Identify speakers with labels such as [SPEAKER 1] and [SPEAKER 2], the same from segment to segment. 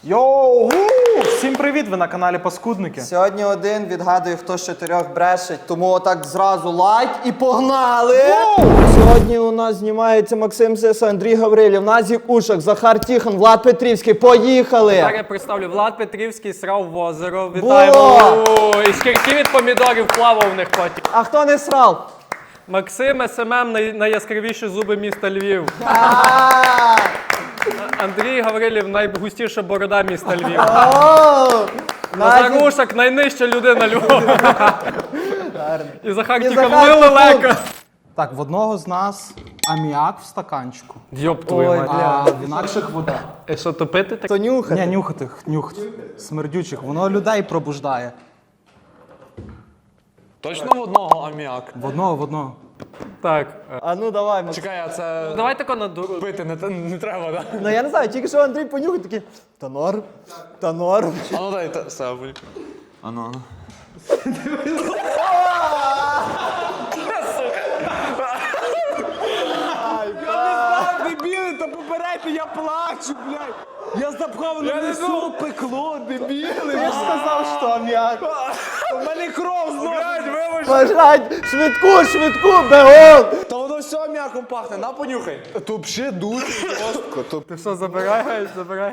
[SPEAKER 1] Йоу! Всім привіт! Ви на каналі Паскудники.
[SPEAKER 2] Сьогодні один відгадує, хто з 4 брешить, тому отак зразу лайк і погнали! Сьогодні у нас знімається Максим Сиса, Андрій Гаврилів, Назік Ушак, Захар Тіхон, Влад Петрівський. Поїхали!
[SPEAKER 3] Так я представлю, Влад Петрівський срав в озеро. Вітаємо! І шкірки від помідорів плавав в них потім.
[SPEAKER 2] А хто не срав?
[SPEAKER 3] Максим СММ найяскравіші зуби міста Львів. Андрій Гаврилів найгустіша борода міста Львів. Назар Ушак найнижча людина Львова. І Захар Тіхон лелека.
[SPEAKER 1] Так, в одного з нас аміак в стаканчику,
[SPEAKER 3] Йоп твою мать.
[SPEAKER 1] а в інакших вода.
[SPEAKER 3] І що, топити так?
[SPEAKER 2] То нюхати.
[SPEAKER 1] Ні, нюхати, смердючих. Воно людей пробуждає.
[SPEAKER 4] Точно в одного аміак?
[SPEAKER 1] В одного.
[SPEAKER 3] Так.
[SPEAKER 2] А ну давай, Максим.
[SPEAKER 4] Чекай, а це
[SPEAKER 3] Давай тако на дуру.
[SPEAKER 4] пити не треба, так?
[SPEAKER 2] Ну я не знаю, тільки що Андрій понюхав, такий, та норм.
[SPEAKER 4] А ну дай себе. А ну.
[SPEAKER 5] Дебіли, та попередьте, я плачу, блядь! Я запхав на несу, пекло, дебіли!
[SPEAKER 1] Ти ж сказав, що аміак.
[SPEAKER 5] У мене кров знову!
[SPEAKER 2] Бажать, швидку, бегом!
[SPEAKER 5] Та воно все м'яком пахне, на понюхай! То взагалі дуже жорстко.
[SPEAKER 3] Ти що, забирай.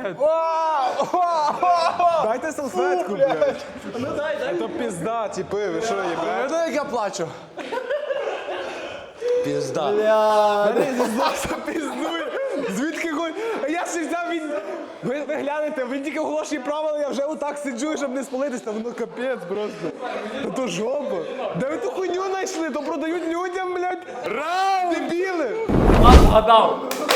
[SPEAKER 5] Дайте салфетку, блядь! Ну дай. То пізда, типи, ви що, є, блядь? Як я плачу? Пізда. Мене зі носа піздує. Звідки хоч? А я ще взяв він... Ви глянете, він тільки оголошує правила, я вже отак сиджу, щоб не спалитись, та воно капець просто. То жопа. Де ви ту хуйню знайшли? То продають людям, блядь. Раунд! Дебіли!
[SPEAKER 3] Згадав.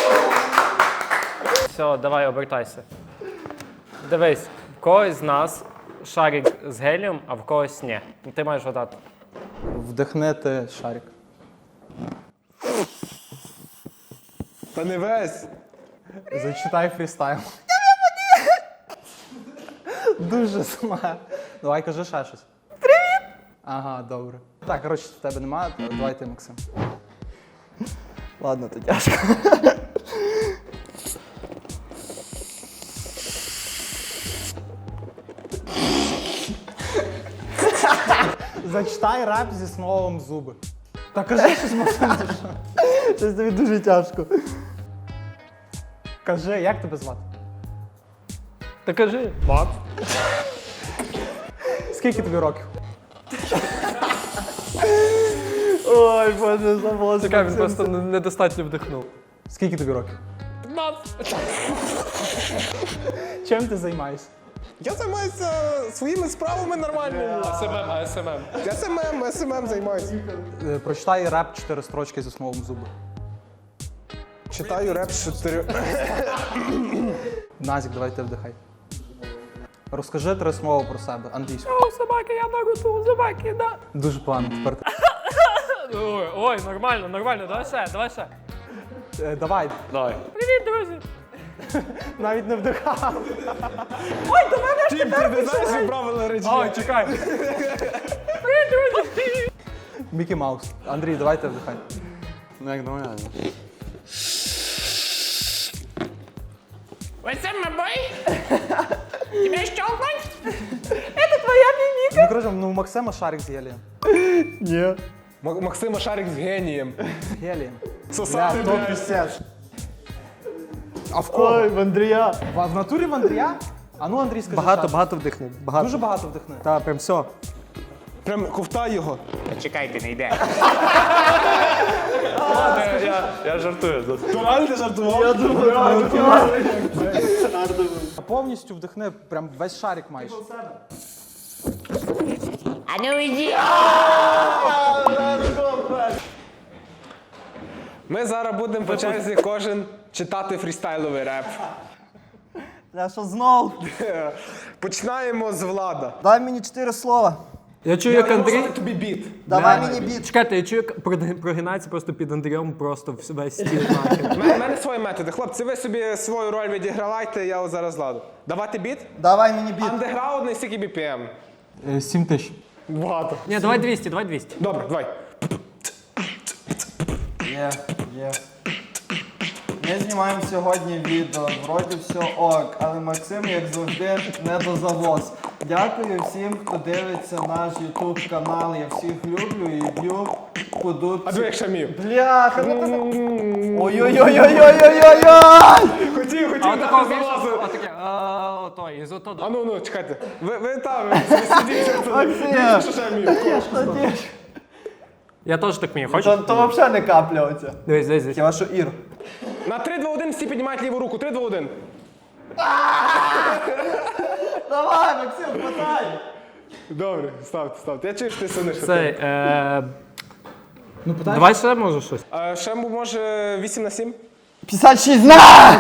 [SPEAKER 3] Все, давай, обертайся. Дивись, в когось з нас шарик з гелієм, а в когось ні. Ти маєш гадати.
[SPEAKER 1] Вдихнити шарик.
[SPEAKER 5] Та не весь.
[SPEAKER 1] Зачитай фрістайл. Дуже сама. Давай, кажи ще щось. Привіт! Ага, добре. Так, коротше, в тебе немає, давай ти, Максим.
[SPEAKER 2] Ладно, то тяжко.
[SPEAKER 1] Зачитай реп зі словом зуби. Та кажи щось, Максим, ти що?
[SPEAKER 2] Щось тобі дуже тяжко.
[SPEAKER 1] Кажи, як тебе звати?
[SPEAKER 3] Та кажи. Мат.
[SPEAKER 1] Скільки тобі років?
[SPEAKER 2] Ой, боже, забув.
[SPEAKER 3] Чекай, він просто недостатньо вдихнув.
[SPEAKER 1] Скільки тобі років? Чим ти займаєшся?
[SPEAKER 5] Я займаюся своїми справами нормальними.
[SPEAKER 3] СММ.
[SPEAKER 5] СММ займаюся.
[SPEAKER 1] Прочитай реп 4 строчки зі словом зуби.
[SPEAKER 5] Читаю реп з 4.
[SPEAKER 1] Назік, давай ти вдихай. Розкажи 3 слова про себе, англійською.
[SPEAKER 3] О, собаки, я наруту, собаки, да.
[SPEAKER 1] Дуже погано, тепер ти.
[SPEAKER 3] Ой, нормально, давай ще.
[SPEAKER 1] Давай,
[SPEAKER 4] Давай.
[SPEAKER 3] Привіт, друзі.
[SPEAKER 1] навіть не вдихав.
[SPEAKER 5] Тім, ти не знаєш, як правильно речі.
[SPEAKER 3] Ой, чекай.
[SPEAKER 1] Мікі Маус. Андрій, давай ти вдихай.
[SPEAKER 4] Ну як нормально.
[SPEAKER 6] What's up, my boy? Тебя щелкнуть?
[SPEAKER 1] Ну, коротше, ну, у Максима шарик з гелієм.
[SPEAKER 2] Ні.
[SPEAKER 5] Максима Шарик з генієм.
[SPEAKER 1] Гелієм.
[SPEAKER 5] Сосати,
[SPEAKER 1] то
[SPEAKER 5] блядь.
[SPEAKER 1] пісець. А в кого?
[SPEAKER 2] Ой, в Андрія.
[SPEAKER 1] В натурі в Андрія? А ну, Андрій, скажи шарик.
[SPEAKER 2] Багато вдихнув. Багато.
[SPEAKER 1] Дуже багато вдихни.
[SPEAKER 2] Так, прям все.
[SPEAKER 5] Прям ковтай його.
[SPEAKER 6] Чекайте, не йде.
[SPEAKER 4] Я жартую.
[SPEAKER 5] Реально ти жартував?
[SPEAKER 1] А повністю вдихни, прям весь шарик маєш.
[SPEAKER 6] А ну йди.
[SPEAKER 5] Ми зараз будемо по черзі кожен читати фрістайловий реп.
[SPEAKER 2] Я що знов?
[SPEAKER 5] Починаємо з Влада.
[SPEAKER 2] Дай мені 4 слова.
[SPEAKER 3] Я чую, як Андрій...
[SPEAKER 5] Тобі біт.
[SPEAKER 2] Давай мені біт.
[SPEAKER 3] Чекайте, я чую, як прогинається просто під Андрієм просто весь стіл нахер.
[SPEAKER 5] У мене свої методи. Хлопці, ви собі свою роль відігравайте, я от зараз ладу. Давати біт?
[SPEAKER 2] Давай мені біт.
[SPEAKER 5] Андеграундний, скільки BPM?
[SPEAKER 1] 7 тисяч.
[SPEAKER 5] Багато.
[SPEAKER 3] Ні, давай 200.
[SPEAKER 5] Добре, давай.
[SPEAKER 2] Є. Ми знімаємо сьогодні відео, вроді все ок, але Максим, як завжди, не дозавоз. Дякую всім, хто дивиться наш YouTube канал. Я всіх люблю і б'ю по дудці.
[SPEAKER 5] А диви, як шамів.
[SPEAKER 2] Бляха, ну ти... Ой-ой-ой-ой-ой-ой-ой!
[SPEAKER 5] Хотів,
[SPEAKER 3] А
[SPEAKER 5] дати
[SPEAKER 3] такого
[SPEAKER 5] залазу.
[SPEAKER 3] отаке, той, із ото.
[SPEAKER 5] А ну, чекайте. Ви там, ви сидіть.
[SPEAKER 2] Максим!
[SPEAKER 5] Що шамів?
[SPEAKER 3] Я теж так вмію, хочеш?
[SPEAKER 2] То взагалі не капля оця.
[SPEAKER 3] Дивись.
[SPEAKER 2] Хіба що Ір.
[SPEAKER 5] На 3, 2, 1 всі піднімають ліву руку. 3, 2, 1.
[SPEAKER 2] Давай, Максим, потай!
[SPEAKER 5] Добре, ставте. Я чую, що ти сидиш.
[SPEAKER 3] Цей, давай ще може щось.
[SPEAKER 5] Шембу може 8 на 7?
[SPEAKER 2] 56 на!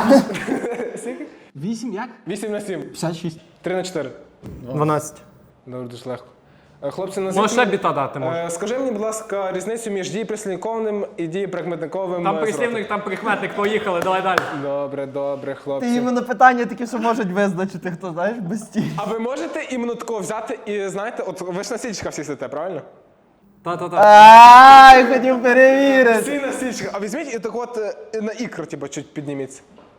[SPEAKER 1] 8 як?
[SPEAKER 5] 8 на 7.
[SPEAKER 1] 56.
[SPEAKER 5] 3 на 4.
[SPEAKER 3] 12.
[SPEAKER 5] Добре, дуже легко. Хлопці,
[SPEAKER 3] Може
[SPEAKER 5] назвіть...
[SPEAKER 3] ще біта дати, може.
[SPEAKER 5] Скажи мені, будь ласка, різницю між дієприслівниковим і дієприкметниковим
[SPEAKER 3] Там
[SPEAKER 5] зростом.
[SPEAKER 3] прислівник, там прикметник, поїхали, давай далі.
[SPEAKER 5] Добре,
[SPEAKER 2] Ти
[SPEAKER 5] хлопці.
[SPEAKER 2] іменно питання такі, що можуть визначити, хто, знаєш, без стіль.
[SPEAKER 5] А ви можете іменно такого взяти і, знаєте, от ви ж на стільчиках всі сидите, правильно?
[SPEAKER 3] Та-та-та.
[SPEAKER 2] Ай, хотів перевірити.
[SPEAKER 5] Всі на стільчиках. А візьміть і так от на ікру, типу, чуть підніміться.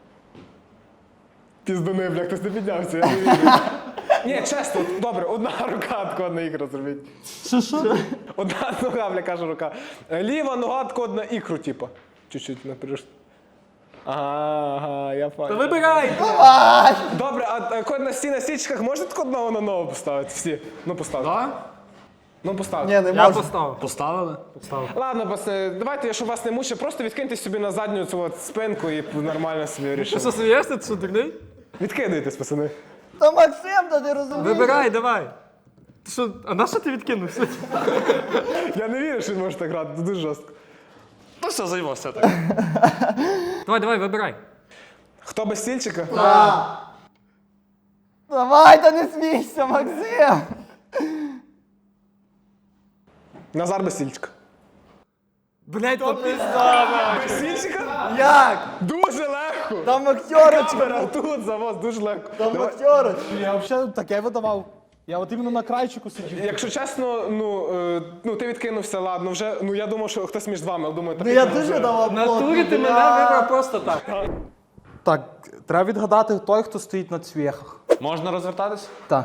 [SPEAKER 5] Піздуни, бля, хтось не піднявся, я не вірю. Ні, чесно, добре, одна рука тако на ікру зробіть.
[SPEAKER 1] Що?
[SPEAKER 5] Одна нога, бля, каже рука. Ліва нога тако на ікру, типу. Чуть-чуть наперед. Ага, я понял.
[SPEAKER 3] Вибирай!
[SPEAKER 5] Добре, а код на стільчиках можете тако одного на ногу поставити? Всі? Ну, поставте.
[SPEAKER 3] Да?
[SPEAKER 5] Ну, поставте.
[SPEAKER 2] Ні, не
[SPEAKER 3] Я
[SPEAKER 2] можу.
[SPEAKER 3] поставив.
[SPEAKER 4] Поставили?
[SPEAKER 5] Ладно, пацани, давайте, щоб вас не мучив, просто відкиньте собі на задню цю от спинку і нормально собі
[SPEAKER 3] Ти
[SPEAKER 5] рішимо.
[SPEAKER 3] що, смієшся, ти що, дурний?
[SPEAKER 5] Відкидайтесь, пацани.
[SPEAKER 2] Та Максим, та ти розумієш?
[SPEAKER 3] Вибирай, давай. Ти що, а на що ти відкинувся?
[SPEAKER 5] Я не вірю, що він може так грати, це дуже жорстко.
[SPEAKER 4] Ну все, займався так.
[SPEAKER 3] Давай, вибирай.
[SPEAKER 5] Хто без стільчика?
[SPEAKER 2] Давай, та не смійся, Максим.
[SPEAKER 5] Назар без стільчика.
[SPEAKER 3] Блять, то пізда.
[SPEAKER 5] Без стільчика?
[SPEAKER 2] Як?
[SPEAKER 5] Дуже легко.
[SPEAKER 2] Там актерочка.
[SPEAKER 5] Камера тут за вас, дуже легко.
[SPEAKER 2] Там
[SPEAKER 5] Давай.
[SPEAKER 2] актерочка.
[SPEAKER 1] Я взагалі таке видавав. Я от іменно на крайчику сидів.
[SPEAKER 5] Якщо чесно, ну ти відкинувся, ладно, вже, ну я думав, що хтось між вами, але думаю, так.
[SPEAKER 2] Ну я дуже давав
[SPEAKER 3] В натурі ти мене вибрав просто так.
[SPEAKER 1] Так, треба відгадати той, хто стоїть на цвєхах.
[SPEAKER 4] Можна розвертатись?
[SPEAKER 1] Так.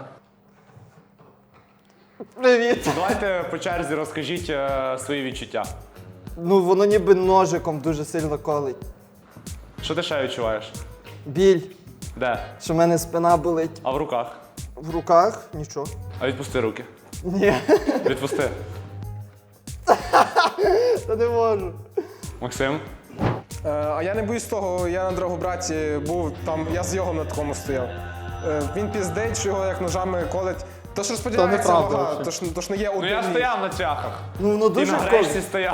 [SPEAKER 2] Привіт.
[SPEAKER 4] Давайте по черзі розкажіть свої відчуття.
[SPEAKER 2] Ну воно ніби ножиком дуже сильно колить.
[SPEAKER 4] Що ти ще відчуваєш?
[SPEAKER 2] Біль,
[SPEAKER 4] Де?
[SPEAKER 2] що в мене спина болить.
[SPEAKER 4] А в руках?
[SPEAKER 2] В руках нічого.
[SPEAKER 4] А відпусти руки.
[SPEAKER 2] Ні,
[SPEAKER 4] Відпусти.
[SPEAKER 2] та не можу.
[SPEAKER 4] Максим?
[SPEAKER 5] А я не боюсь того, я на Драгобраті був там, я з йогом на такому стояв. Він піздить, що його як ножами колить. То ж розподіляється
[SPEAKER 1] неправда
[SPEAKER 5] вага,
[SPEAKER 1] взагалі.
[SPEAKER 5] то ж не є один.
[SPEAKER 4] Ну я
[SPEAKER 5] ліфт.
[SPEAKER 4] стояв на цвяхах.
[SPEAKER 2] Ну воно
[SPEAKER 4] Ти
[SPEAKER 2] дуже
[SPEAKER 4] на
[SPEAKER 2] колить.
[SPEAKER 4] гречці стояв.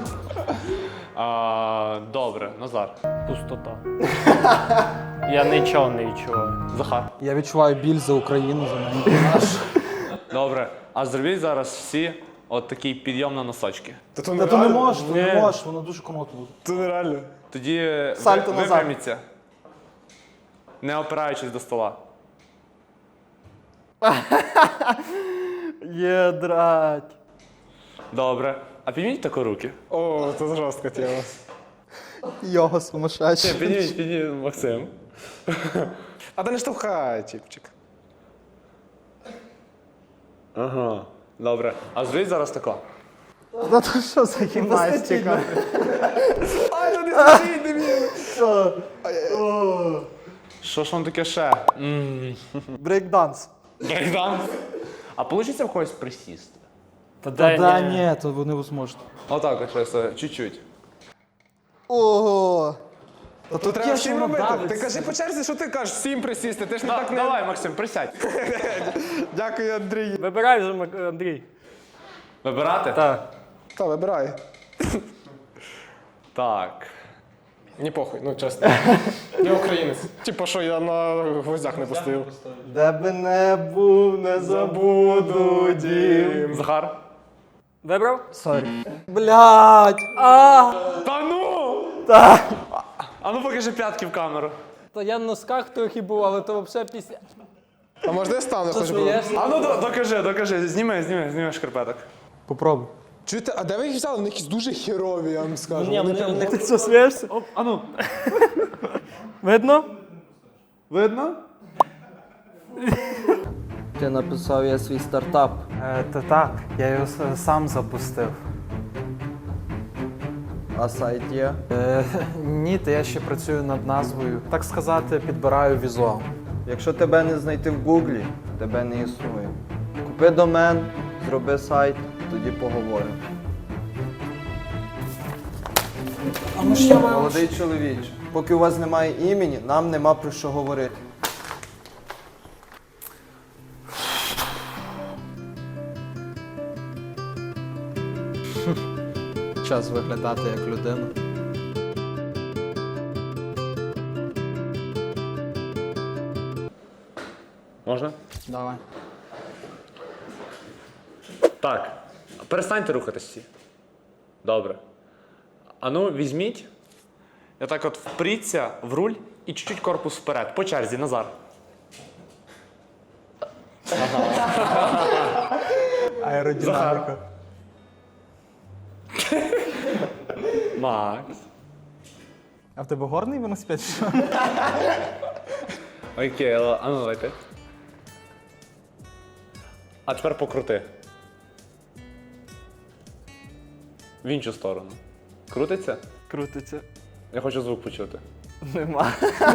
[SPEAKER 4] Добре, Назар.
[SPEAKER 3] Пустота. Я нічого не відчуваю.
[SPEAKER 4] Захар.
[SPEAKER 1] Я відчуваю біль за Україну, за мене.
[SPEAKER 4] Добре. А зробіть зараз всі от такий підйом на носочки.
[SPEAKER 5] Та
[SPEAKER 1] Та то не можеш, то не можеш, воно дуже комотно буде.
[SPEAKER 5] Це нереально.
[SPEAKER 4] Тоді
[SPEAKER 2] Сальто назад.
[SPEAKER 4] випряміться, не опираючись до стола.
[SPEAKER 2] Єдрать.
[SPEAKER 4] Добре. А підніміть тако руки.
[SPEAKER 5] О, це жорстка тема.
[SPEAKER 1] Його сумасшедший.
[SPEAKER 4] Підніміть, Максим.
[SPEAKER 5] А ти не штовхай, чіпчик.
[SPEAKER 4] Ага. Добре. А зробіть зараз тако.
[SPEAKER 1] Та то що за гімнастика?
[SPEAKER 5] Ай, та не стій, дебіл!
[SPEAKER 4] Що ж вам таке ще?
[SPEAKER 2] Брейкданс.
[SPEAKER 4] Брейкданс? А вийде в когось присісти?
[SPEAKER 3] Та
[SPEAKER 1] Та ні, то невозможно.
[SPEAKER 4] Отак, от щось, чуть-чуть.
[SPEAKER 2] Ого.
[SPEAKER 5] Та тут треба
[SPEAKER 1] що
[SPEAKER 5] всім
[SPEAKER 1] воно
[SPEAKER 5] робити.
[SPEAKER 1] давиться.
[SPEAKER 5] Ти кажи по черзі, що ти кажеш, всім присісти. Ти ж не так не...
[SPEAKER 4] Давай, Максим, присядь.
[SPEAKER 5] Дякую, Андрій.
[SPEAKER 3] Вибирай вже, Андрій.
[SPEAKER 4] Вибирати?
[SPEAKER 3] Так.
[SPEAKER 5] Та, вибирай.
[SPEAKER 4] Так.
[SPEAKER 5] Ні похуй, ну чесно. Я українець. Типа, що я на гвоздях не постою.
[SPEAKER 2] Де би не був, не забуду дім.
[SPEAKER 4] Захар?
[SPEAKER 3] Вибрав?
[SPEAKER 1] Сорі.
[SPEAKER 2] Блядь.
[SPEAKER 4] Та ну!
[SPEAKER 2] Так.
[SPEAKER 4] А ну покажи п'ятки в камеру.
[SPEAKER 3] То я на носках трохи був, але то взагалі після.
[SPEAKER 5] А можна я стану?
[SPEAKER 3] Що
[SPEAKER 5] Хоч би?
[SPEAKER 3] смієшся?
[SPEAKER 4] А ну докажи. Зніми шкарпеток.
[SPEAKER 1] Попробуй.
[SPEAKER 5] Чуєте, а де ви їх взяли? Вони якісь дуже херові, я вам скажу. Вони прям-
[SPEAKER 3] Ти що, смієшся?
[SPEAKER 4] А ну.
[SPEAKER 3] Видно?
[SPEAKER 4] Видно?
[SPEAKER 2] Ти написав я свій стартап.
[SPEAKER 1] Та так, я його сам запустив.
[SPEAKER 2] А сайт є?
[SPEAKER 1] Ні, та я ще працюю над назвою. Так сказати, підбираю візуал.
[SPEAKER 2] Якщо тебе не знайти в Гуглі, тебе не існує. Купи домен, зроби сайт, тоді поговоримо. Молодий чоловіче, поки у вас немає імені, нам нема про що говорити.
[SPEAKER 1] Час виглядати як людина.
[SPEAKER 4] Можна?
[SPEAKER 1] Давай.
[SPEAKER 4] Так. Перестаньте рухатись всі. Добре. А ну, візьміть. І так от впріться в руль і чуть-чуть корпус вперед. По черзі, Назар.
[SPEAKER 1] Аеродинаміка.
[SPEAKER 4] Макс.
[SPEAKER 1] А в тебе горний велосипед? Що?
[SPEAKER 4] Окей, а ну давайте. А тепер покрути. В іншу сторону. Крутиться?
[SPEAKER 3] Крутиться.
[SPEAKER 4] Я хочу звук почути.
[SPEAKER 3] Нема.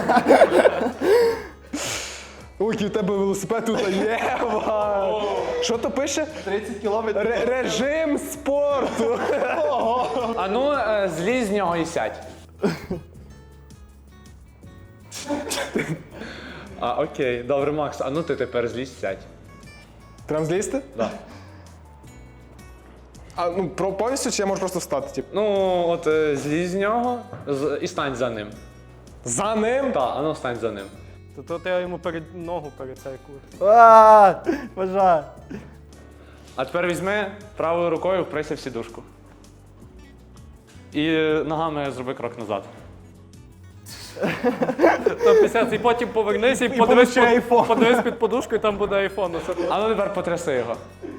[SPEAKER 5] Ой, у тебе велосипед тут є. Ва. Що то пише?
[SPEAKER 1] 30 кілометрів.
[SPEAKER 5] Режим спорту.
[SPEAKER 4] А ну, злізь з нього і сядь. А, окей, добре, Макс, а ну ти тепер злізь, сядь.
[SPEAKER 5] Прям злізти?
[SPEAKER 4] Да.
[SPEAKER 5] А ну повністю чи я можу просто встати? Типу?
[SPEAKER 4] Ну, от злізь з нього і стань за ним.
[SPEAKER 5] За ним?
[SPEAKER 4] Так, а ну стань за ним.
[SPEAKER 3] То тут я йому ногу перед цей курс.
[SPEAKER 2] Бажаю.
[SPEAKER 4] А тепер візьми правою рукою, вприся в сідушку. І ногами зроби крок назад.
[SPEAKER 3] То 50, і потім повернися і подивись під подушку, і там буде айфон.
[SPEAKER 4] А ну тепер потряси його.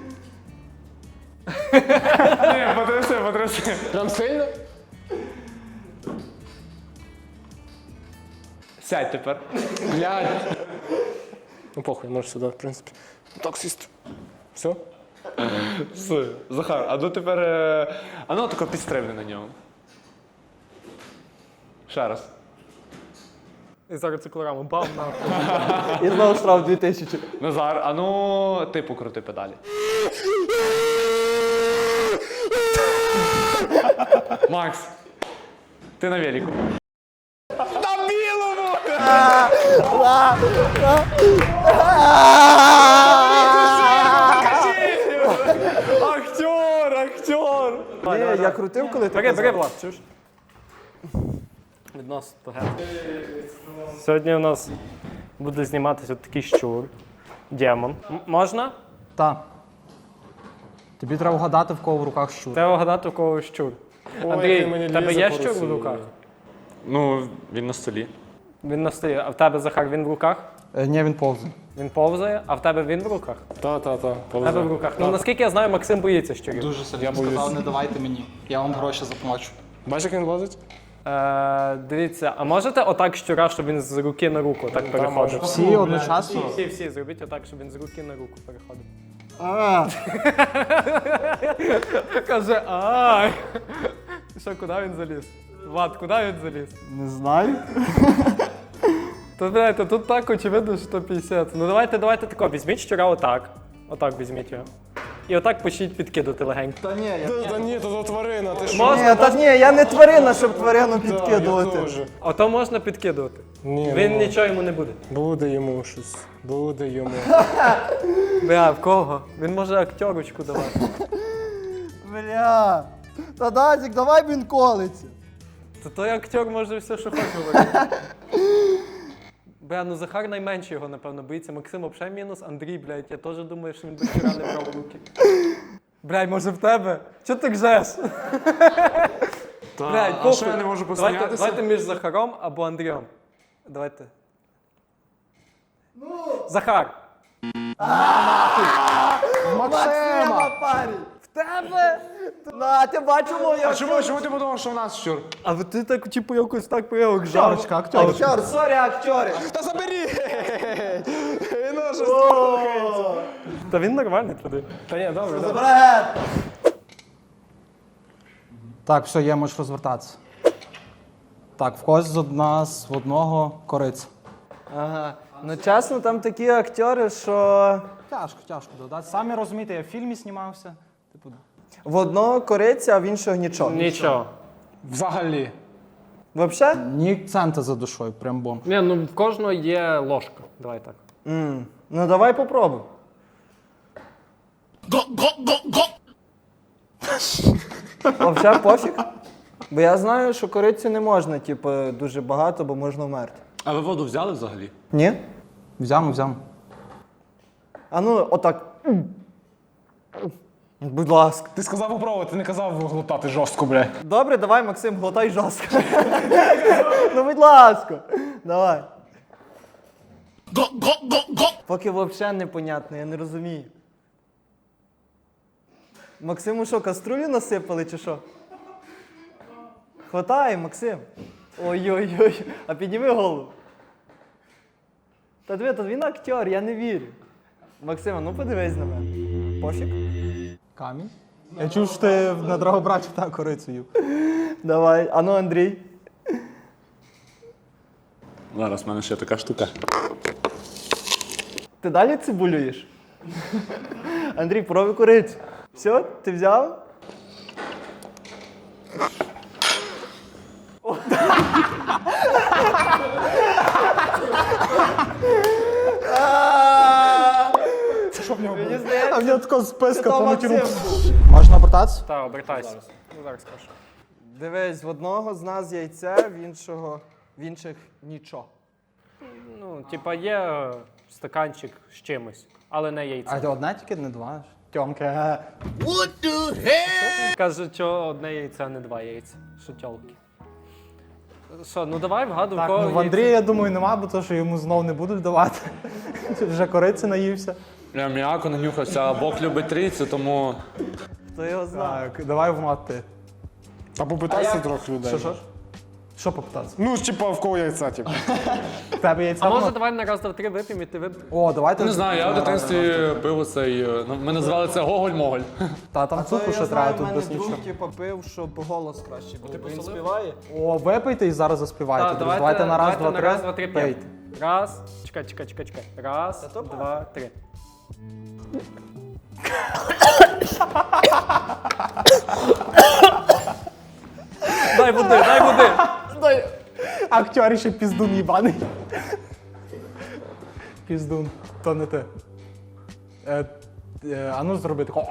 [SPEAKER 4] Ні, потряси.
[SPEAKER 5] Прям сильно?
[SPEAKER 4] Сядь тепер.
[SPEAKER 5] Блядь. Ну похуй, можеш сюди, в принципі. Так сісти. Все?
[SPEAKER 4] Все. Захар, а ну тепер. А ну тако підстрибни на ньому. Ще раз.
[SPEAKER 3] І зараз циклораму бам нахуй.
[SPEAKER 2] І знову штраф 2000.
[SPEAKER 4] Назар, а ну ти покрути педалі. Макс, ти на велику.
[SPEAKER 5] На білому!
[SPEAKER 4] Актер!
[SPEAKER 2] Ні, я крутив, коли ти
[SPEAKER 3] Бери,
[SPEAKER 2] казав.
[SPEAKER 3] Влад, чуєш? Віднос то Сьогодні у нас буде зніматися от такий щур. Демон. Можна?
[SPEAKER 1] Так. Тобі треба вгадати, в кого в руках щур.
[SPEAKER 3] Треба вгадати, у кого щур.
[SPEAKER 5] який
[SPEAKER 3] Андрій,
[SPEAKER 5] мені
[SPEAKER 3] в тебе
[SPEAKER 5] лізе
[SPEAKER 3] є
[SPEAKER 5] по
[SPEAKER 3] щур в
[SPEAKER 5] Росії.
[SPEAKER 3] руках?
[SPEAKER 4] Ну, він на столі.
[SPEAKER 3] Він на столі. А в тебе, Захар, він в руках?
[SPEAKER 1] Ні, він повзає.
[SPEAKER 3] Він повзає, а в тебе він в руках?
[SPEAKER 5] Та.
[SPEAKER 3] В тебе в руках. Ну, наскільки я знаю, Максим боїться щурів.
[SPEAKER 1] Дуже сильно сказав, не давайте мені. Я вам гроші заплачу.
[SPEAKER 5] Бачиш, як він лазить?
[SPEAKER 3] Дивіться, а можете отак щура, щоб він з руки на руку так переходив?
[SPEAKER 1] Всі одночасно.
[SPEAKER 3] Всі, зробіть отак, щоб він з руки на руку переходив. Каже, ай. Що, куди він заліз? Влад, куди він заліз?
[SPEAKER 2] Не знаю.
[SPEAKER 3] То, знаєте, тут так очевидно, що 50. Ну давайте тако, візьміть щура отак. Отак візьміть його. І отак почніть підкидати легенько.
[SPEAKER 2] Та ні, я...
[SPEAKER 5] Та ні, то тварина, ти що?
[SPEAKER 3] Можна?
[SPEAKER 2] Ні, та ні, я не тварина, щоб тварину
[SPEAKER 5] Я
[SPEAKER 2] підкидувати.
[SPEAKER 5] теж.
[SPEAKER 3] Ото можна підкидувати.
[SPEAKER 5] Ні,
[SPEAKER 3] Він
[SPEAKER 5] ну,
[SPEAKER 3] нічого йому не буде.
[SPEAKER 5] буде йому щось. Буде йому.
[SPEAKER 3] Бля, в кого? Він може актерочку давати.
[SPEAKER 2] Бля. Та Дазік, давай він колиться.
[SPEAKER 3] То той актер може все, що хоче говорити. Бля, ну Захар найменше його, напевно, боїться. Максим взагалі мінус, Андрій, блядь, я теж думаю, що він до вчора не брав в руки. Блядь, може в тебе? Чого ти гжеш? Блядь,
[SPEAKER 5] а що я не можу посміятися?
[SPEAKER 3] Давайте між Захаром або Андрієм. Давайте. Захар.
[SPEAKER 2] Максима, парі.
[SPEAKER 3] В тебе?
[SPEAKER 2] На, ти бачив мою
[SPEAKER 5] А чому ти подумав, що в нас щур?
[SPEAKER 3] А ти так, типу, якось так появок
[SPEAKER 1] Актерочка, актерочка.
[SPEAKER 2] Актер, сорі, актери.
[SPEAKER 5] Та забери! Він уже слухається.
[SPEAKER 3] Та він нормальний туди.
[SPEAKER 5] Та ні, добре, добре.
[SPEAKER 2] Бред.
[SPEAKER 1] Так, все, є, можеш розвертатися. Так, в когось з нас в одного кориця.
[SPEAKER 2] Ага. Ну чесно, там такі актери, що
[SPEAKER 1] Тяжко додати. Самі розумієте, я в фільмі знімався. Типу,
[SPEAKER 2] в одного кориця, а в іншого нічого.
[SPEAKER 3] Нічого.
[SPEAKER 5] Взагалі.
[SPEAKER 2] Вообще?
[SPEAKER 1] ні цента за душою, прям бомб.
[SPEAKER 3] Ні, ну в кожного є ложка. Давай так.
[SPEAKER 2] Ну давай попробуй. Вообще пофіг. Бо я знаю, що корицю не можна, типу, дуже багато, бо можна вмерти.
[SPEAKER 4] А ви воду взяли взагалі?
[SPEAKER 2] Ні?
[SPEAKER 1] Взямо.
[SPEAKER 2] А ну, отак. Будь ласка.
[SPEAKER 5] Ти сказав попробувати, ти не казав глотати жорстко, бля.
[SPEAKER 2] Добре, давай, Максим, глотай жорстко. Ну, будь ласка. Давай. Поки взагалі непонятно, я не розумію. Максиму що, каструлю насипали чи що? Хватай, Максим. Ой-ой-ой, а підніми голову. Та диви, та він актер, я не вірю. Максима, ну подивись на мене. Пофіг.
[SPEAKER 1] Камінь. Я чув, що ти на Драгобрачі та корицю їв.
[SPEAKER 2] Давай, а ну, Андрій.
[SPEAKER 4] Зараз в мене ще така штука.
[SPEAKER 2] Ти далі цибулюєш? Андрій, пробуй курицю. Все, ти взяв?
[SPEAKER 1] Що в нього
[SPEAKER 2] Мені
[SPEAKER 1] було?
[SPEAKER 2] здається,
[SPEAKER 1] А в нього такого списка
[SPEAKER 2] то
[SPEAKER 1] помутів.
[SPEAKER 2] Максим був.
[SPEAKER 1] Можна обертатися?
[SPEAKER 3] Так, обертайся. Ну, зараз скажу.
[SPEAKER 2] Дивись, в одного з нас яйце, в інших нічого.
[SPEAKER 3] Ну, типа є стаканчик з чимось, але не яйце.
[SPEAKER 1] А ти одне тільки, не два? Тьомки.
[SPEAKER 3] Каже, що одне яйце, а не два яйця. Що тьолки. Що, ну давай вгадуй,
[SPEAKER 1] Так,
[SPEAKER 3] кого
[SPEAKER 1] ну в Андрія, я думаю, нема, бо то, що йому знов не будуть давати. Вже кориці наївся.
[SPEAKER 4] Я м'яко нанюхався, а Бог любить трійцю, тому
[SPEAKER 2] Хто його знає?
[SPEAKER 1] Так, давай в мат ти.
[SPEAKER 5] Та попитайся трохи людей.
[SPEAKER 1] Що? Що попитатися?
[SPEAKER 5] Ну, типа, в кого яйця, типу.
[SPEAKER 1] В тебе яйця
[SPEAKER 3] А
[SPEAKER 1] в
[SPEAKER 3] може
[SPEAKER 1] мат?
[SPEAKER 3] давай на раз, два, три вип'ємо і ти вип'єш?
[SPEAKER 1] О, давайте.
[SPEAKER 4] не знаю, я в дитинстві пив цей. Ми називали це Гоголь-Моголь.
[SPEAKER 1] Та там цукру ще треба, тут без нічого.
[SPEAKER 2] типу, пив, щоб голос краще був. Він співає?
[SPEAKER 1] О, випийте і зараз заспівайте.
[SPEAKER 3] Так,
[SPEAKER 1] друзі. Давайте на раз, два,
[SPEAKER 3] на
[SPEAKER 1] три.
[SPEAKER 3] раз, два, три п'ємо.
[SPEAKER 1] Пийте.
[SPEAKER 3] Раз, чекай. Раз,
[SPEAKER 2] то
[SPEAKER 3] два, три. Дай води.
[SPEAKER 1] Актер ще піздун їбаний. Піздун, то не ти. А ну зроби тако.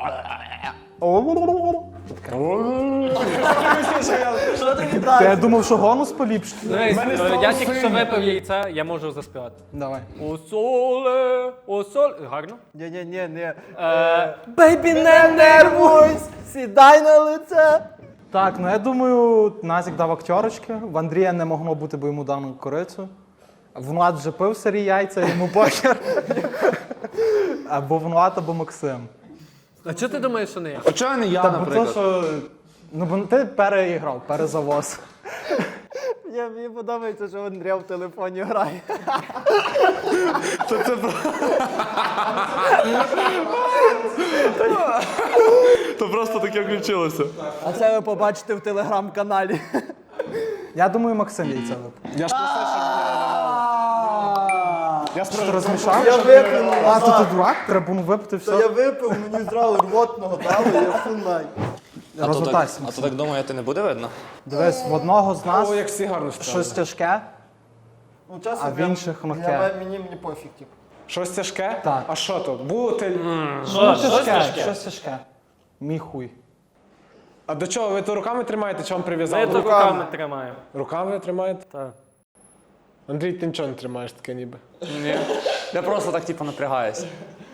[SPEAKER 2] Що ти
[SPEAKER 1] Та я
[SPEAKER 2] віддав?
[SPEAKER 1] думав, що голос поліпшить.
[SPEAKER 3] Дивись, я тільки що випив яйця, я можу заспівати.
[SPEAKER 1] Давай.
[SPEAKER 3] О соле. Гарно?
[SPEAKER 2] Ні. Бейбі, не нервуйся, сідай на лице.
[SPEAKER 1] Так, ну я думаю, Назік дав актерочки, в Андрія не могло бути, бо йому дано корицю. Влад вже пив сирі яйця, йому похер. Або Влад, або Максим.
[SPEAKER 3] А чого ти думаєш, що не я?
[SPEAKER 4] А чого не я,
[SPEAKER 1] Та бо то,
[SPEAKER 4] наприклад?
[SPEAKER 1] що... Ну, бо ти переіграв, перезавоз.
[SPEAKER 2] Мені подобається, що Андрій в телефоні грає.
[SPEAKER 4] То просто таке включилося.
[SPEAKER 2] А це ви побачите в телеграм-каналі.
[SPEAKER 1] Я думаю, Максим яйця випив.
[SPEAKER 5] Я ж просив, щоб я
[SPEAKER 1] Що ти розмішав?
[SPEAKER 2] Я випив,
[SPEAKER 1] А, то ти дурак? Треба було випити
[SPEAKER 2] Та я
[SPEAKER 1] все.
[SPEAKER 2] випив, мені зразу рвотного дали, я сунай.
[SPEAKER 1] Розвертайся.
[SPEAKER 4] А то так думаєте, не буде видно?
[SPEAKER 1] Дивись, в одного з нас
[SPEAKER 5] О, як всі гарно стали.
[SPEAKER 1] щось тяжке,
[SPEAKER 2] Ну, чесно,
[SPEAKER 1] а в інших легке.
[SPEAKER 2] мені пофіг, типу.
[SPEAKER 5] Щось тяжке?
[SPEAKER 1] Так.
[SPEAKER 5] А що то? Бутиль?
[SPEAKER 1] Щось тяжке. Мій хуй.
[SPEAKER 5] А до чого? Ви то руками тримаєте, чи вам
[SPEAKER 3] Я
[SPEAKER 5] прив'язали?
[SPEAKER 3] то руками тримаю.
[SPEAKER 5] Руками тримаєте?
[SPEAKER 3] Так.
[SPEAKER 5] Андрій, ти нічого не тримаєш таке ніби.
[SPEAKER 4] Ні. Я просто так, типу, напрягаюсь.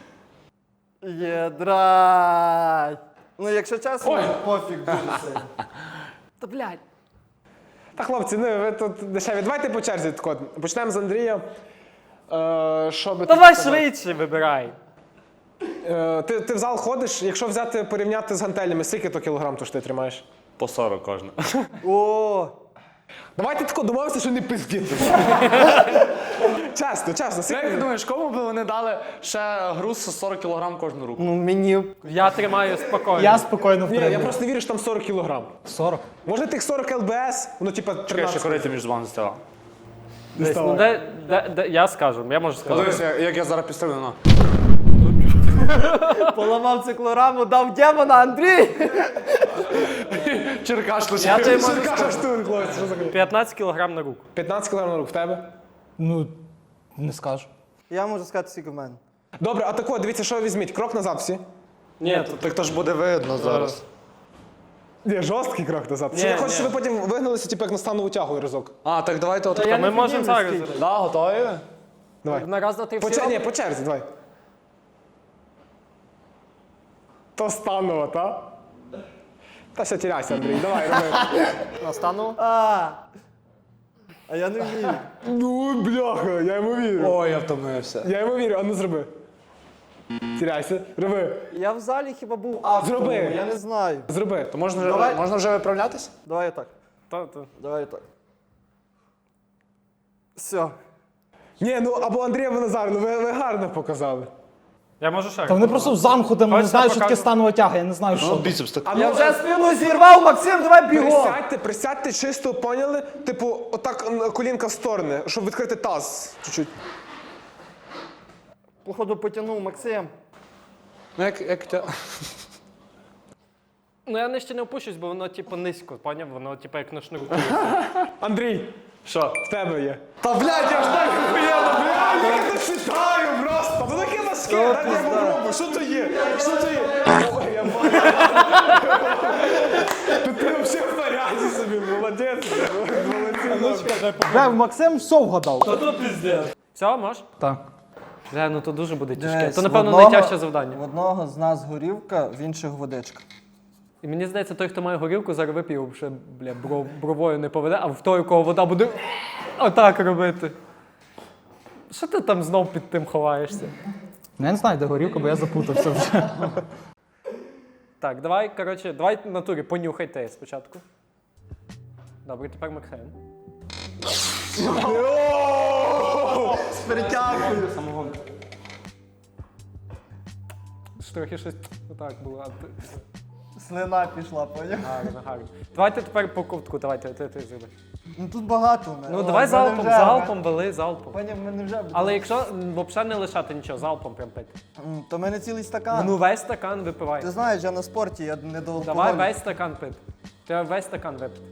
[SPEAKER 2] Єдрать. Ну, якщо чесно, пофіг дуже сильно.
[SPEAKER 3] Та блядь.
[SPEAKER 5] Та хлопці, ну ви тут дешеві. Давайте по черзі тако. Почнемо з Андрія. Що би ти
[SPEAKER 3] Давай
[SPEAKER 5] сказав?
[SPEAKER 3] швидше вибирай.
[SPEAKER 5] Ти в зал ходиш, якщо взяти порівняти з гантелями, скільки то кілограм то ж ти тримаєш?
[SPEAKER 4] По 40 кожна.
[SPEAKER 2] О,
[SPEAKER 5] Давайте тако домовимося, що не пиздіти. Чесно,
[SPEAKER 4] Як ти
[SPEAKER 5] скільки?
[SPEAKER 4] думаєш, кому б вони дали ще груз 40 кг кожну руку?
[SPEAKER 2] ну мені.
[SPEAKER 3] Я тримаю спокійно.
[SPEAKER 1] Я спокійно
[SPEAKER 5] Ні, я
[SPEAKER 1] втримую.
[SPEAKER 5] просто не вірю, що там 40 кілограм.
[SPEAKER 1] 40.
[SPEAKER 5] Може тих 40 ЛБС, воно типа
[SPEAKER 4] Чекай,
[SPEAKER 5] 13.
[SPEAKER 4] ще корити між вами стала.
[SPEAKER 3] Десь, ну, я скажу, я можу сказати.
[SPEAKER 4] Подивися, як я зараз підставлю на.
[SPEAKER 2] Поламав циклораму, дав демона, Андрій!
[SPEAKER 4] Черкаш лише.
[SPEAKER 3] Я тобі можу
[SPEAKER 5] Що кажеш ти, хлопець, що за хуйня?
[SPEAKER 3] 15 кілограм на руку.
[SPEAKER 5] 15 кілограм на рук в тебе?
[SPEAKER 1] Ну, не скажу.
[SPEAKER 2] Я можу сказати, скільки в мене.
[SPEAKER 5] Добре, а тако, дивіться, що ви візьміть. Крок назад всі.
[SPEAKER 3] Ні, тут
[SPEAKER 4] Так то ж буде видно зараз.
[SPEAKER 5] Ні, жорсткий крок назад.
[SPEAKER 3] Ні,
[SPEAKER 5] Чи я хочу,
[SPEAKER 3] ні.
[SPEAKER 5] щоб ви потім вигналися, типу, як на станову тягу разок.
[SPEAKER 4] А, так давайте от.
[SPEAKER 3] ми можемо зараз.
[SPEAKER 4] Да, готові?
[SPEAKER 5] Давай.
[SPEAKER 3] На раз, два, три, всі.
[SPEAKER 5] Ні, по черзі, давай. То станова, та? Та ще тіряйся, Андрій, давай, роби.
[SPEAKER 3] Настану.
[SPEAKER 2] А я не вмію.
[SPEAKER 5] Ну, бляха, я йому вірю.
[SPEAKER 4] Ой, я втомився.
[SPEAKER 5] Я йому вірю, а ну зроби. Тіряйся, роби.
[SPEAKER 2] Я в залі хіба був автором,
[SPEAKER 5] Зроби.
[SPEAKER 2] я не знаю.
[SPEAKER 5] Зроби.
[SPEAKER 4] То можна
[SPEAKER 2] Давай.
[SPEAKER 4] можна вже виправлятися?
[SPEAKER 2] Давай отак.
[SPEAKER 3] Та.
[SPEAKER 2] Давай отак. Все.
[SPEAKER 5] Ні, ну або Андрій, або Назар, ну ви гарно показали.
[SPEAKER 3] Я можу ще.
[SPEAKER 1] Та вони просто в замку, де не
[SPEAKER 3] Хочете,
[SPEAKER 1] знають, що таке
[SPEAKER 3] покажу?
[SPEAKER 1] станова тяга, я не знаю, що.
[SPEAKER 4] Біцепс так.
[SPEAKER 5] А ну,
[SPEAKER 2] Я вже спину зірвав, Максим, давай бігом!
[SPEAKER 5] Присядьте чисто, поняли? Типу, отак колінка в сторони, щоб відкрити таз чуть-чуть.
[SPEAKER 2] Походу потягнув, Максим.
[SPEAKER 4] Ну як тя.
[SPEAKER 3] Ну я не ще не опущусь, бо воно типу низько, поняв? Воно типу як на шнурку.
[SPEAKER 5] Андрій,
[SPEAKER 4] Що?
[SPEAKER 5] в тебе є.
[SPEAKER 4] Та блядь, я ж так охуєнно, блядь!
[SPEAKER 5] Я не читаю просто! Це таке важке, дай я попробую, що то є? Що то є? Ой, я бачу. Ти взагалі в порядку собі, молодець. Молодець.
[SPEAKER 1] Бля, Максим все вгадав.
[SPEAKER 3] Все, можеш?
[SPEAKER 1] Так.
[SPEAKER 3] Бля, ну то дуже буде тяжке.
[SPEAKER 2] Десь
[SPEAKER 3] То, напевно,
[SPEAKER 2] в одного-
[SPEAKER 3] найтяжче завдання.
[SPEAKER 2] В одного з нас горівка, в інших водичка.
[SPEAKER 3] І мені здається, той, хто має горілку, зараз вип'є, вже, бля, бровою не поведе, а в той, у кого вода буде отак робити. Що ти там знов під тим ховаєшся?
[SPEAKER 1] Ну, я не знаю, де горілка, бо я запутався вже.
[SPEAKER 3] Так, давай, коротше, давай в натурі понюхай те спочатку. Добре, тепер Максим.
[SPEAKER 2] З перетягою.
[SPEAKER 3] Трохи щось отак було.
[SPEAKER 2] Слина пішла, поняв?
[SPEAKER 3] Гарно, гарно. Давайте тепер по ковтку, давайте, ти зроби.
[SPEAKER 2] Ну тут багато в мене.
[SPEAKER 3] Ну
[SPEAKER 2] О,
[SPEAKER 3] давай
[SPEAKER 2] в мене
[SPEAKER 3] залпом,
[SPEAKER 2] вже-
[SPEAKER 3] залпом, вели, залпом.
[SPEAKER 2] Поняв, в мене вже буде.
[SPEAKER 3] Але якщо взагалі не лишати нічого, залпом прям пити.
[SPEAKER 2] То в мене цілий стакан.
[SPEAKER 3] Ну весь стакан випивай.
[SPEAKER 2] Ти знаєш, я на спорті, я не до алкоголю.
[SPEAKER 3] Давай весь стакан пити. Треба весь стакан випити.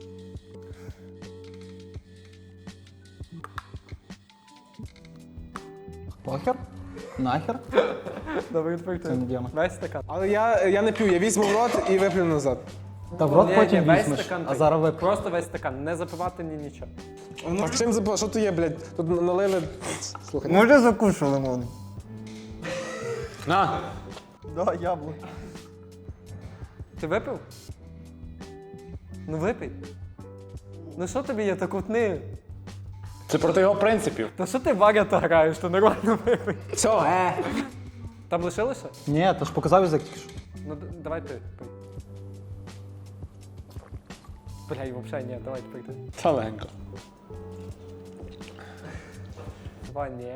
[SPEAKER 1] Похер? Нахер?
[SPEAKER 3] Добре, тепер ти.
[SPEAKER 1] Це не діяма.
[SPEAKER 3] Весь стакан.
[SPEAKER 5] Але я не п'ю, я візьму в рот і виплю назад.
[SPEAKER 1] Та в рот
[SPEAKER 3] Ні,
[SPEAKER 1] потім
[SPEAKER 3] весь
[SPEAKER 1] візьмеш,
[SPEAKER 3] стакан
[SPEAKER 1] а
[SPEAKER 3] пий.
[SPEAKER 1] зараз вип'єш.
[SPEAKER 3] Просто весь стакан, не запивати ні нічого.
[SPEAKER 5] Так чим запав? Що то є, блядь? Тут налили. Слухай.
[SPEAKER 2] Може закушу лимон?
[SPEAKER 4] На.
[SPEAKER 2] Да, яблуко.
[SPEAKER 3] Ти випив? Ну випий. Ну що тобі є, так утни.
[SPEAKER 4] Це проти його принципів.
[SPEAKER 3] Та що ти варята граєш, то нормально випий.
[SPEAKER 5] Все,
[SPEAKER 3] Там лишилося?
[SPEAKER 1] Ні, то ж показав язик тільки що.
[SPEAKER 3] Ну давай ти пий. Бля, і взагалі ні, давай тепер ти.
[SPEAKER 4] Та легенько.
[SPEAKER 3] Два ні.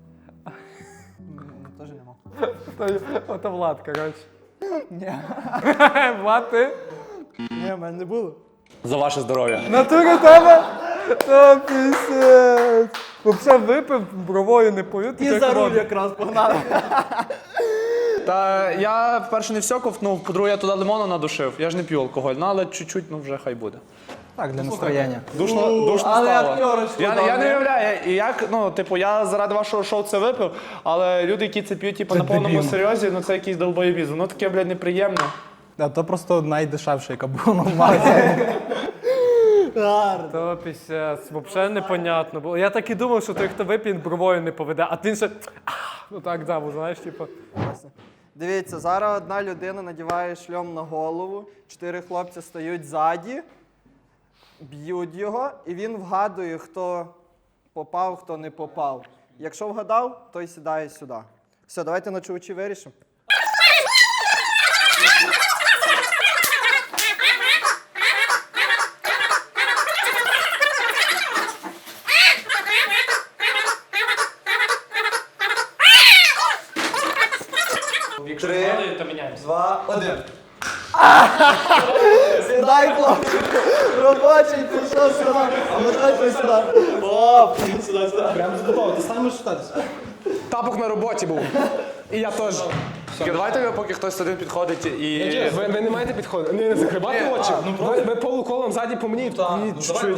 [SPEAKER 2] Теж нема.
[SPEAKER 3] Ото Влад, коротше.
[SPEAKER 2] Ні.
[SPEAKER 3] Влад, ти?
[SPEAKER 2] Ні, в мене не було.
[SPEAKER 4] За ваше здоров'я.
[SPEAKER 3] Натура тебе? Та пісець. Взагалі випив, бровою не повів.
[SPEAKER 2] І за руль якраз погнали.
[SPEAKER 4] Та я, по-перше, не все ковтнув, по-друге, я туди лимону надушив. Я ж не п'ю алкоголь, ну але чуть-чуть, ну вже хай буде.
[SPEAKER 1] Так, для настроєння.
[SPEAKER 4] Душно
[SPEAKER 2] але
[SPEAKER 4] стало.
[SPEAKER 2] актерочку
[SPEAKER 4] Я
[SPEAKER 2] дав,
[SPEAKER 4] не
[SPEAKER 2] ні?
[SPEAKER 4] уявляю, як, ну, типу, я заради вашого шоу це випив, але люди, які це п'ють, типу, на повному
[SPEAKER 1] дебіл.
[SPEAKER 4] серйозі, ну це якийсь долбоєбіз. Воно таке, блядь, неприємне.
[SPEAKER 1] А то просто найдешевше, яка була в магазині.
[SPEAKER 3] То пісець, взагалі непонятно було. Я так і думав, що той, хто вип'є, бровою не поведе, а ти ще ну так дав, знаєш, типу.
[SPEAKER 2] Дивіться, зараз одна людина надіває шльом на голову, 4 хлопці стають ззаді, б'ють його, і він вгадує, хто попав, хто не попав. Якщо вгадав, той сідає сюди. Все, давайте ночувачі вирішимо.
[SPEAKER 3] Якщо
[SPEAKER 2] 3,
[SPEAKER 3] падає, то міняємося.
[SPEAKER 2] 2, 1. Сідай, хлопчик. Робочий, пішов сюди. А ми давай сюди. Оп, сюди.
[SPEAKER 1] Прямо готово, ти сам можеш читатися.
[SPEAKER 5] Тапок на роботі був. І я теж.
[SPEAKER 4] Тільки давайте, поки хтось один підходить і.
[SPEAKER 5] Ви не маєте підходити. Не закривати очі. Ви полуколом ззаді по мені. І чуть-чуть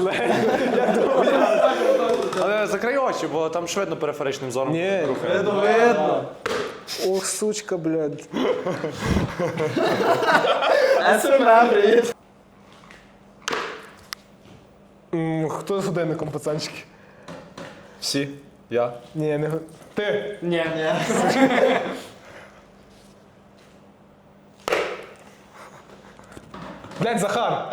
[SPEAKER 4] Але закрий очі, бо там швидно периферичним зором рухає.
[SPEAKER 2] Видно.
[SPEAKER 5] Ох, сучка, блядь.
[SPEAKER 2] СММ, привіт.
[SPEAKER 5] Хто з годинником, пацанчики?
[SPEAKER 4] Всі. Я.
[SPEAKER 5] Ні, не ти.
[SPEAKER 3] Ні.
[SPEAKER 5] Блядь, Захар.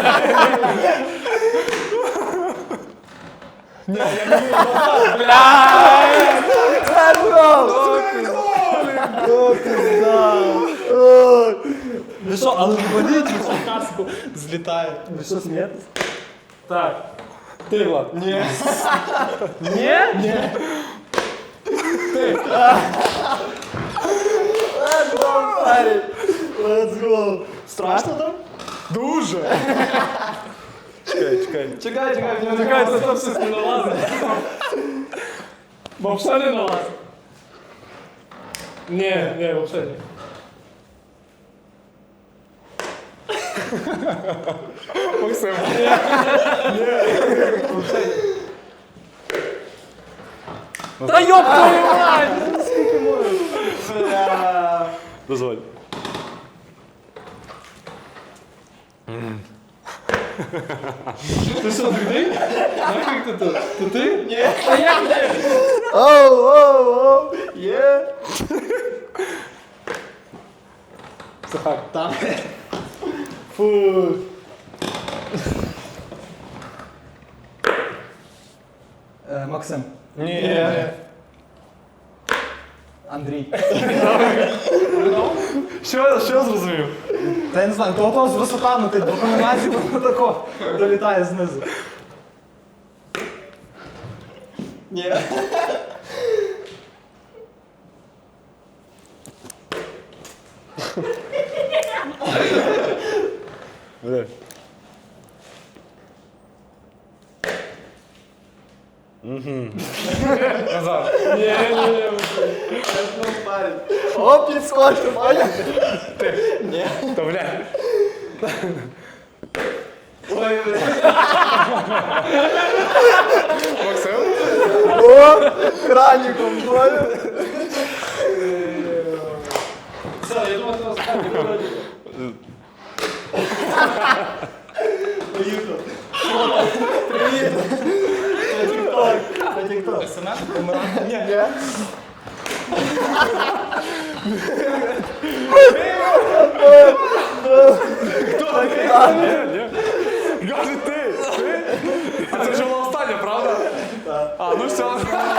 [SPEAKER 1] Ви що, але боліть, ви що каску злітає. Ви що смієтесь?
[SPEAKER 3] Так. Ти, Влад.
[SPEAKER 1] Ні.
[SPEAKER 3] Ні?
[SPEAKER 2] Let's go. Страшно там?
[SPEAKER 5] Дуже.
[SPEAKER 2] Чекай, в нього
[SPEAKER 3] Чекай, це там щось не налазить. Бо все не налазить. Ні, взагалі ні.
[SPEAKER 5] Максим.
[SPEAKER 3] Та йоп твою мать!
[SPEAKER 4] Дозволь.
[SPEAKER 3] Ти що, другий? Як ти тут? То ти? Ні.
[SPEAKER 2] Оу, є.
[SPEAKER 5] Захар.
[SPEAKER 2] Там. Фу.
[SPEAKER 1] Максим.
[SPEAKER 5] Ні.
[SPEAKER 1] Андрій.
[SPEAKER 5] Що зрозумів?
[SPEAKER 1] Та я не знаю, того з висотами ти до комбінації воно тако долітає знизу.
[SPEAKER 2] Ні.
[SPEAKER 5] Назад.
[SPEAKER 2] Оп, підскочив, поняв?
[SPEAKER 5] Та, блядь.
[SPEAKER 2] Ой,
[SPEAKER 5] Максим?
[SPEAKER 2] о, краніком, поняв?
[SPEAKER 3] Все, я думаю, що останній вроді.
[SPEAKER 4] Каже ти! А це вже була остання, правда? А, ну все.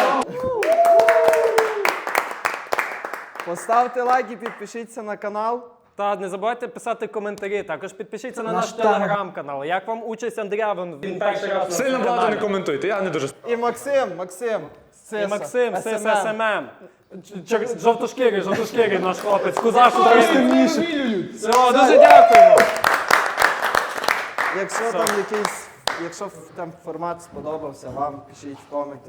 [SPEAKER 2] Поставте лайк і підпишіться на канал.
[SPEAKER 3] Та не забувайте писати коментарі. Також підпишіться на
[SPEAKER 1] Наш
[SPEAKER 3] наш телеграм-канал. Як вам участь Андрія? Він перший раз на
[SPEAKER 4] Сильно багато
[SPEAKER 3] каналі.
[SPEAKER 4] не коментуйте, я не дуже.
[SPEAKER 2] І Максим.
[SPEAKER 3] І Максим,
[SPEAKER 2] SMM.
[SPEAKER 3] ССММ. Жовтошкірий наш хлопець. Кузаш України. Все, дуже дякуємо.
[SPEAKER 2] Якщо там якийсь, якщо там формат сподобався вам, пишіть в коменті.